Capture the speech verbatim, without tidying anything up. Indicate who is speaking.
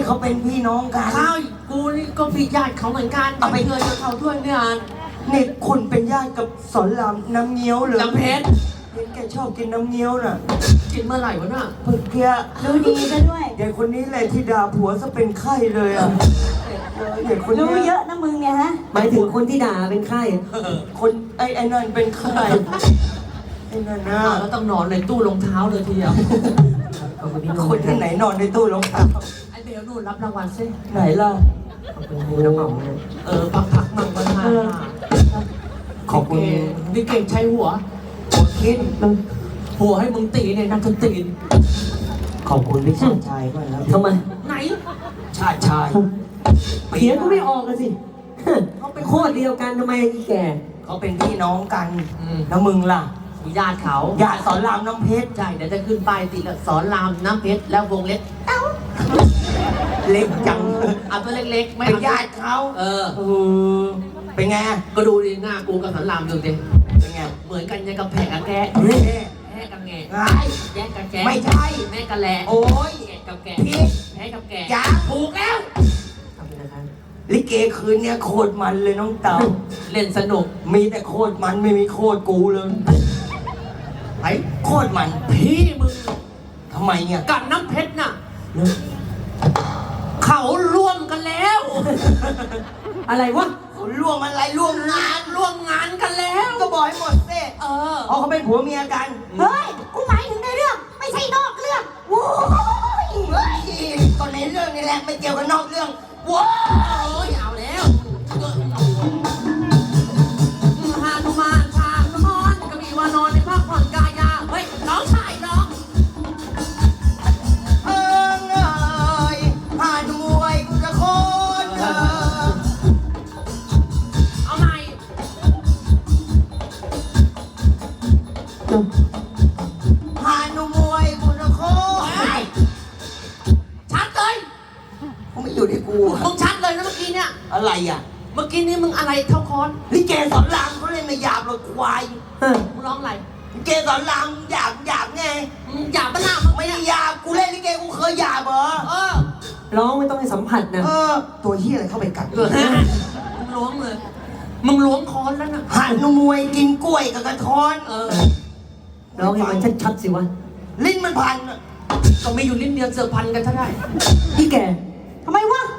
Speaker 1: เขาเป็นพี่น้องกัน
Speaker 2: ข้าวกูนี่ก็พี่ญาติเขาเหมือนกันเอาไปเงินกับเขาด้วยเนี่ย
Speaker 1: นี่คุณเป็นญาติกับสอนรามน้ำเงี้ยวเหรอ
Speaker 2: น้ำเพชร
Speaker 1: เห็นแกชอบกินน้ำเงี้ยวน่ะ
Speaker 2: กินเมื่อไหร่วะน่ะ
Speaker 1: เมื่อกี้
Speaker 3: รู้ดีซะด้วย
Speaker 1: เด็กคนนี้แหละที่ด่าผัวซะเป็นไข้เลยอ่ะเด็กคน
Speaker 3: รู้
Speaker 1: นี้
Speaker 3: เยอะนะมึงเนี่ยฮะ
Speaker 4: หมายถึงคนที่ด่าเป็นไข้
Speaker 1: คนไอ้ไอ้นั่นเป็นไข้ไอ้นั่นนะ
Speaker 2: อ้าวแล้วต้องนอนในตู้รองเท้าเลยทีเดียว
Speaker 4: ขอบคุณพี่
Speaker 1: คนที่ไหนนอนในตู้รองเท้า
Speaker 2: ไอ้เบลนู่นรับรางวัลซิ
Speaker 1: ไหนล่ะ
Speaker 4: ขอบคุณพี่น้องหอมนะ
Speaker 2: เออพักพักมั่งก็ได้
Speaker 1: ขอบคุณ
Speaker 2: นี่เก่งใช้หัว
Speaker 1: หัวคิด
Speaker 2: หัวให้มึงตีเนี่ยนักดนตรี
Speaker 1: ขอบคุณพี่ชาติชายก่อนแล้ว
Speaker 4: ทำไม
Speaker 2: ไหน
Speaker 1: ชาติชาย
Speaker 4: เถียงก็ไม่ออกกันสิเขาเป็นโคตรเดียวกันทำไมอีแก่
Speaker 1: เขาเป็นพี่น้องกัน
Speaker 2: อืม
Speaker 1: แล้วมึงล่ะ
Speaker 2: มีญาติเขา
Speaker 1: ญาติสอนรามน้ำเพชร
Speaker 2: ใช่เดี๋ยวจะขึ้นป้ายติดแล้วสอนรามน้ำเพชรแล้ววงเล็ก
Speaker 1: เล็กจัง
Speaker 2: เอาตัวเล็กๆไม่
Speaker 1: เป็น
Speaker 2: เอา
Speaker 1: ญาติเขา
Speaker 2: เออ
Speaker 1: เออเป็นไง
Speaker 2: ก็ดูดิหน้ากูกับสอนรามดูดิ
Speaker 1: เป็นไง
Speaker 2: เหมือนกันยังกับแผลกับแกะ
Speaker 1: เฮ้ย
Speaker 2: แพ้กับแงะ
Speaker 1: ไง
Speaker 2: แยกกับแกะ
Speaker 1: ไม่ใช่
Speaker 2: แม่กับแหละ
Speaker 1: โอ้ย
Speaker 2: แกะกับแกะ
Speaker 1: พี่
Speaker 2: แพ้กับแกะ
Speaker 1: จ้า
Speaker 2: ถูกแล้ว
Speaker 4: ขอบคุณนะครับ
Speaker 1: ลิเกคืนเนี้ยโคตรมันเลยน้องเต่า
Speaker 2: เล่นสนุก
Speaker 1: มีแต่โคตรมันไม่มีโคตรกูเลยไอ้โคตรมัน
Speaker 2: พี่มึง
Speaker 1: ทำไมเนี่ย
Speaker 2: กับน้ำเพชรน่ะเขาร่วมกันแล้ว
Speaker 4: อะไรวะ
Speaker 1: ร่วมอะไรร่วมงาน
Speaker 2: ร่วมงานกันแล้ว
Speaker 1: ก็บอกให้หมดเส
Speaker 2: เออ
Speaker 1: เพราะเขาเป็นผัวเมียกัน
Speaker 3: เฮ้ย กูหมายถึงในเรื่อง ไม่ใช่นอกเรื่องโว้ย
Speaker 1: เฮ้ยก็ในเรื่องนี่แหละไม่เกี่ยวกับนอกเรื่องว้า
Speaker 2: โอ้ยเอาแล้วฮานุมานชาสมอนก็มีวานอนในภาคผ่อนกายาเฮ้ยน้องชายน้อง
Speaker 1: เอิงเอ้ยผ่านมวยกูจะโคตรเออ
Speaker 2: เอาใหม่
Speaker 1: ผ่านมวยกูจะโคตร
Speaker 2: เฮ้ยชัดเลย
Speaker 1: เขาไม่อยู่ที่กูอะ
Speaker 2: มึงชัดเลยนะเมื่อกี้เนี่ย
Speaker 1: อะไรอ่ะ
Speaker 2: เมื่อกี้นี้มึงอะไรเท่าคอน
Speaker 1: ลิเกสอนรามเขาเล่นไม่หยาบหรอกควาย
Speaker 4: เออ
Speaker 2: มึงร้องอะไร
Speaker 1: ลิเกสอนรามหยาบหยาบไง
Speaker 2: มึงหยาบปะหน้ามึง
Speaker 1: ไม่ได้หยาบกูเล่นลิเกกูเคยหยาบเหรอ
Speaker 2: เออ
Speaker 4: ร้องไม่ต้องให้สัมผัสนะ
Speaker 1: เออ ตัวเฮียอะไรเข้าไปกัด
Speaker 2: เออมึงล้วงเลย มึงล้วงคอนแล้วนะ
Speaker 1: หันมวยกินกล้วยกับกระท้อน
Speaker 2: เออ
Speaker 4: ร้องให้มันชัดๆสิวะ
Speaker 1: ลิ้นมันพันอะ
Speaker 2: ก็มีอยู่ลิ้นเดียวเสือกพันกันถ้าได้
Speaker 4: พี่แก่
Speaker 3: ทำไมวะ